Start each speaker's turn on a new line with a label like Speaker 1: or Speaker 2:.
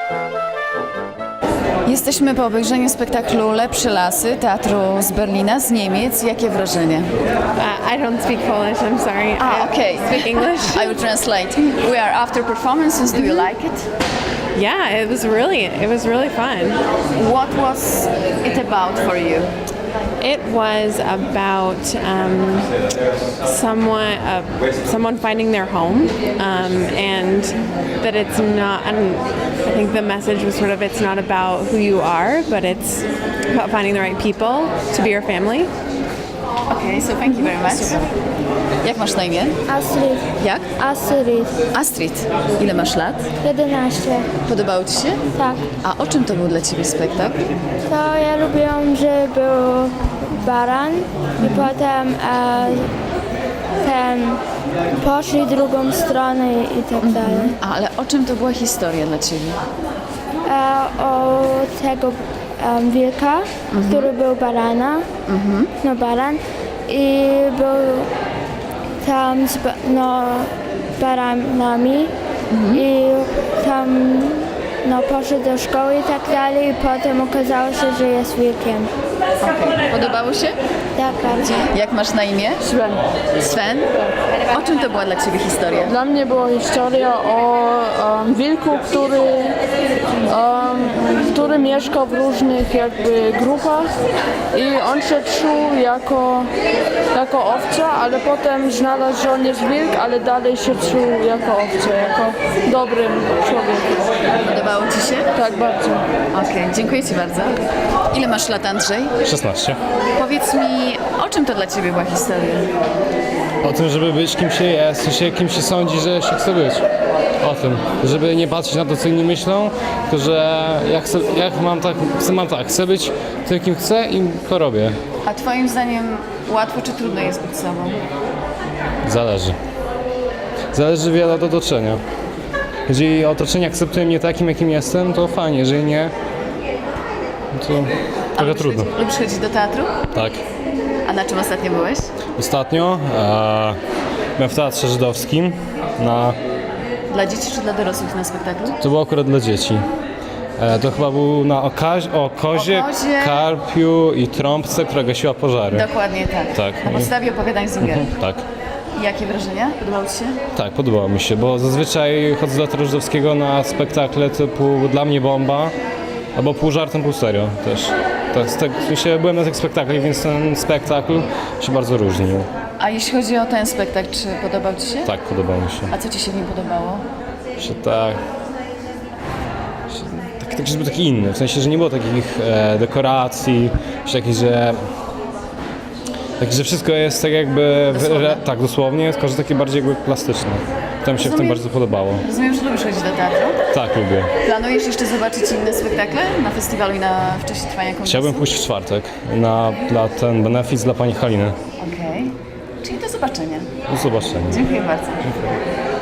Speaker 1: Jesteśmy po obejrzeniu spektaklu Lepsze lasy teatru z Berlina, z Niemiec. Jakie wrażenie?
Speaker 2: I don't speak Polish, I'm sorry.
Speaker 1: Okay.
Speaker 2: I speak English.
Speaker 1: I will translate. We are after performances. Do you like it?
Speaker 2: Yeah, it was really fun.
Speaker 1: What was it about for you?
Speaker 2: It was about someone finding their home, and that it's not. I think the message was sort of it's not about who you are, but it's about finding the right people to be your family.
Speaker 1: Okay, so thank you very much. Jak masz na imię?
Speaker 3: Astrid.
Speaker 1: Jak?
Speaker 3: Astrid.
Speaker 1: Astrid. Ile masz lat?
Speaker 3: 11.
Speaker 1: Podobało Ci się?
Speaker 3: Tak.
Speaker 1: A o czym to był dla Ciebie spektakl?
Speaker 3: To ja lubiłam, że był baran i potem poszli drugą stronę i tak dalej.
Speaker 1: Ale o czym to była historia dla Ciebie?
Speaker 3: O tego wilka, który był barana, no baran i był tam z baranami i tam poszedł do szkoły i tak dalej i potem okazało się, że jest wilkiem.
Speaker 1: Okay. Podobało się?
Speaker 3: Tak, bardzo.
Speaker 1: Jak masz na imię?
Speaker 4: Sven.
Speaker 1: Sven? O czym to była dla Ciebie historia?
Speaker 4: Dla mnie była historia o wilku, który mieszka w różnych jakby grupach i on się czuł jako owca, ale potem znalazł, że on jest wilk, ale dalej się czuł jako owca, jako dobrym człowiekiem.
Speaker 1: Podobało Ci się?
Speaker 4: Tak, bardzo.
Speaker 1: Okej, dziękuję Ci bardzo. Ile masz lat, Andrzej?
Speaker 5: 16.
Speaker 1: Powiedz mi, o czym to dla Ciebie była historia?
Speaker 5: O tym, żeby być kim się jest, w sensie kim się sądzi, że się chce być. O tym, żeby nie patrzeć na to, co inni myślą, tylko że chcę być tym, kim chcę i to robię.
Speaker 1: A Twoim zdaniem łatwo czy trudno jest być sobą?
Speaker 5: Zależy. Zależy wiele do otoczenia. Jeżeli otoczenie akceptuje mnie takim, jakim jestem, to fajnie, jeżeli nie, to trochę trudno.
Speaker 1: Lubisz chodzić do teatru?
Speaker 5: Tak.
Speaker 1: A na czym ostatnio byłeś?
Speaker 5: Ostatnio byłem w Teatrze Żydowskim
Speaker 1: Dla dzieci czy dla dorosłych na spektaklu?
Speaker 5: to było akurat dla dzieci. To chyba był o kozie, karpiu i trąbce, która gasiła pożary.
Speaker 1: Dokładnie tak.
Speaker 5: Tak.
Speaker 1: Na podstawie opowiadań Zingera.
Speaker 5: Tak.
Speaker 1: Jakie wrażenia? Podobało Ci się?
Speaker 5: Tak, podobało mi się, bo zazwyczaj chodzę do Teatru Żydowskiego na spektakle typu Dla mnie bomba, albo pół żartem, pół serio też. Byłem na tych spektaklach, więc ten spektakl się bardzo różnił.
Speaker 1: A jeśli chodzi o ten spektakl, czy podobał Ci się?
Speaker 5: Tak, podobał mi się.
Speaker 1: A co Ci się w nim podobało?
Speaker 5: Że był taki inny, w sensie, że nie było takich dekoracji, że wszystko jest tak jakby, tak dosłownie, tylko że takie bardziej jakby plastyczne. To mi się w tym bardzo podobało.
Speaker 1: Rozumiem, że lubisz chodzić do teatru?
Speaker 5: Tak, lubię.
Speaker 1: Planujesz jeszcze zobaczyć inne spektakle na festiwalu i w czasie trwania kongresu?
Speaker 5: Chciałbym pójść w czwartek dla ten benefic dla pani Haliny.
Speaker 1: Okej. Czyli do zobaczenia.
Speaker 5: Do zobaczenia.
Speaker 1: Dziękuję bardzo.
Speaker 5: Dziękuję.